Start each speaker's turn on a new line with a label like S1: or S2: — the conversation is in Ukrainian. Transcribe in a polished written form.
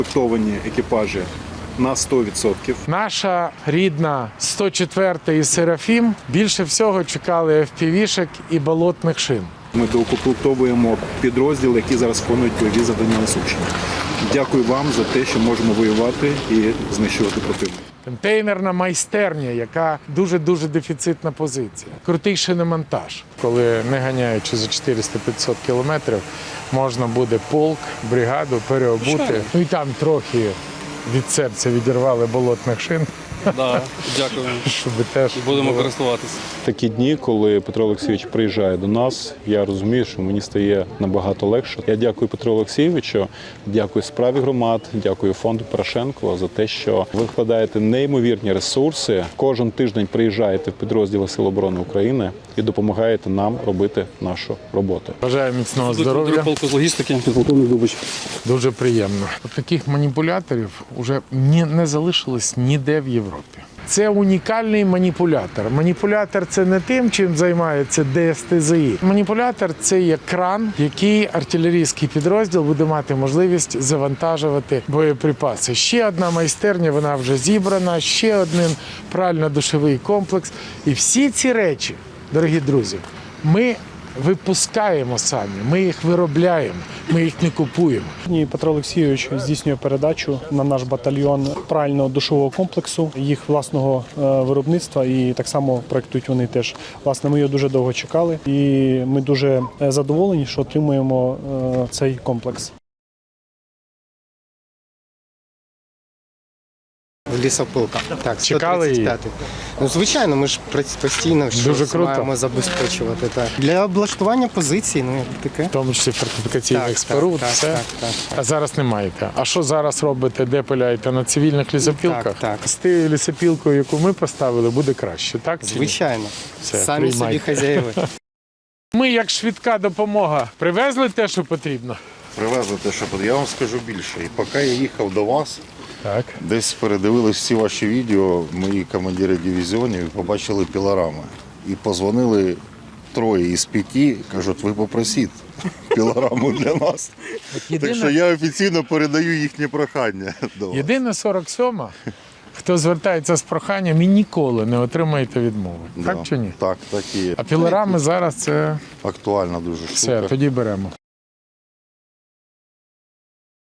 S1: Укомплектовані екіпажі на 100%.
S2: Наша рідна 104-та і Серафім більше всього чекали FPV-шек і болотних шин.
S1: Ми доукомплектовуємо підрозділи, які зараз виконують бойові завдання на Сумщині. Дякую вам за те, що можемо воювати і знищувати противника.
S2: Контейнерна майстерня, яка дуже-дуже дефіцитна позиція. Крутий шиномонтаж. Коли не ганяючи за 400-500 кілометрів, можна буде полк, бригаду переобути. Ну і там трохи від серця відірвали болотних шин.
S3: Да, дякую.
S2: Щоб теж
S3: Будемо користуватися.
S4: Такі дні, коли Петро Олексійович приїжджає до нас, я розумію, що мені стає набагато легше. Я дякую Петру Олексійовичу, дякую справі громад, дякую фонду Порошенко за те, що ви вкладаєте неймовірні ресурси. Кожен тиждень приїжджаєте в підрозділи Сил оборони України і допомагаєте нам робити нашу роботу.
S2: Бажаю міцного здоров'я.
S3: Полку з логістики, підполковник Дубич.
S2: Дуже приємно. От таких маніпуляторів вже не залишилось ніде в Європі. Це унікальний маніпулятор. Маніпулятор – це не тим, чим займається ДСТЗІ. Маніпулятор – це є кран, який артилерійський підрозділ буде мати можливість завантажувати боєприпаси. Ще одна майстерня, вона вже зібрана, ще один прально-душовий комплекс. І всі ці речі, дорогі друзі, ми випускаємо самі, ми їх виробляємо, ми їх не купуємо.
S5: Сьогодні Петро Олексійович здійснює передачу на наш батальйон прального душового комплексу, їх власного виробництва, і так само проєктують вони теж. Власне, ми його дуже довго чекали, і ми дуже задоволені, що отримуємо цей комплекс.
S6: Лісопилка. Так,
S2: Чекали її?
S6: 135-й. Ну, звичайно, ми ж постійно
S2: Дуже круто.
S6: маємо забезпечувати. Так. Для облаштування позицій, ну, як таке.
S2: В тому числі фортифікаційних
S6: Так,
S2: споруд,
S6: так,
S2: все.
S6: так.
S2: А зараз не маєте. А що зараз робите, де пиляєте? На цивільних лісопілках?
S6: Так.
S2: З тією лісопілкою, яку ми поставили, буде краще, так? чи ні?
S6: Звичайно.
S2: Все,
S6: Самі собі
S2: приймайте.
S6: хазяїви.
S2: Ми, як швидка допомога, привезли те, що потрібно?
S7: Привезли те, що я вам скажу більше. І поки я їхав до вас,
S2: Так.
S7: десь передивились всі ваші відео, мої командири дивізіонів, і побачили пілорами. І позвонили 3 із 5, кажуть, ви попросіть пілораму для нас. Так що я офіційно передаю їхнє прохання до вас.
S2: Єдине 47-ма, хто звертається з проханням і ніколи не отримаєте відмови. Так чи ні?
S7: Так і є.
S2: А пілорами зараз це
S7: Актуальна дуже
S2: все,
S7: штука.
S2: тоді беремо.